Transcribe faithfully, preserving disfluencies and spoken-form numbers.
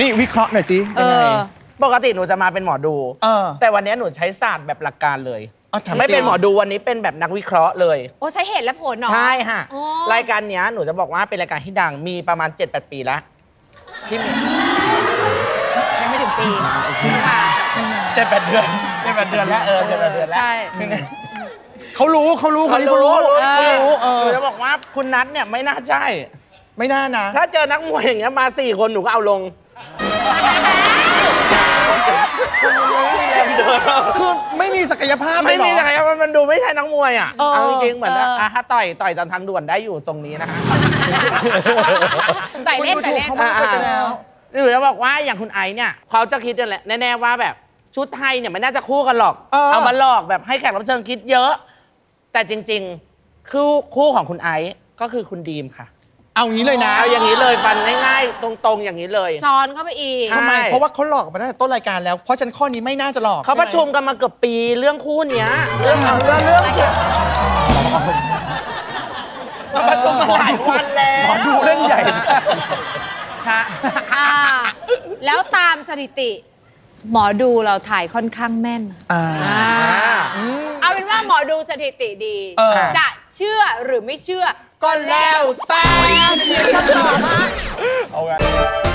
นี่วิเคราะห์หน่อยสิยังไงปกติหนูจะมาเป็นหมอดูแต่วันนี้หนูใช้ศาสตร์แบบหลักการเลยไม่เป็นหมอดูวันนี้เป็นแบบนักวิเคราะห์เลยโอ้ใช้เหตุและผลเนาะใช่ค่ะรายการนี้หนูจะบอกว่าเป็นรายการที่ดังมีประมาณ เจ็ดแปด ปีแล้วที่มียังไม่ถึงปีค่ะเจ็ดแปดเดือนเจ็ดแปดเดือนแล้วเออเจ็ดแปดเดือนแล้วใช่เขารู้เขารู้เขารู้เขารู้เออหนูจะบอกว่าคุณนัทเนี่ยไม่น่าใช่ไม่น่านะถ้าเจอนักมวยอย่างเงี้ยมาสี่คนหนูก็เอาลงคือไม่มีศักยภาพไม่มีศักยภาพมันดูไม่ใช่นักมวยอ่ะเอาจริงๆเหมือนถ้าต่อยต่อยตอนทางด่วนได้อยู่ตรงนี้นะคะต่อยเล่นต่อยเล่นเขาไม่เกิดไปแล้วหนูจะบอกว่าอย่างคุณไอซ์เนี่ยเขาจะคิดแน่ๆว่าแบบชุดไทยเนี่ยไม่น่าจะคู่กันหรอกเอามาหลอกแบบให้แขกรับเชิญคิดเยอะแต่จริงๆคือคู่ของคุณไอซ์ก็คือคุณดีมค่ะเอางี้เลยนะเอาอย่างนี้เลยฟันง่ายๆตรงๆอย่างนี้เลยซ้อนเข้าไปอีกทำไมเพราะว่าเขาหลอกมาตั้งแต่ต้นรายการแล้วเพราะฉันข้อนี้ไม่น่าจะหลอกเขาประชุมกันมาเกือบปีเรื่องคู่เนี้ยเรื่องเรื่องเรื่องมาประชุมมาหลายวันแล้วหมอดูเล่นใหญ่ฮะแล้วตามสถิติหมอดูเราถ่ายค่อนข้างแม่นเอาเป็นว่าหมอดูสถิติดีจะเชื่อหรือไม่เชื่อก็แล้วแต่เอาไง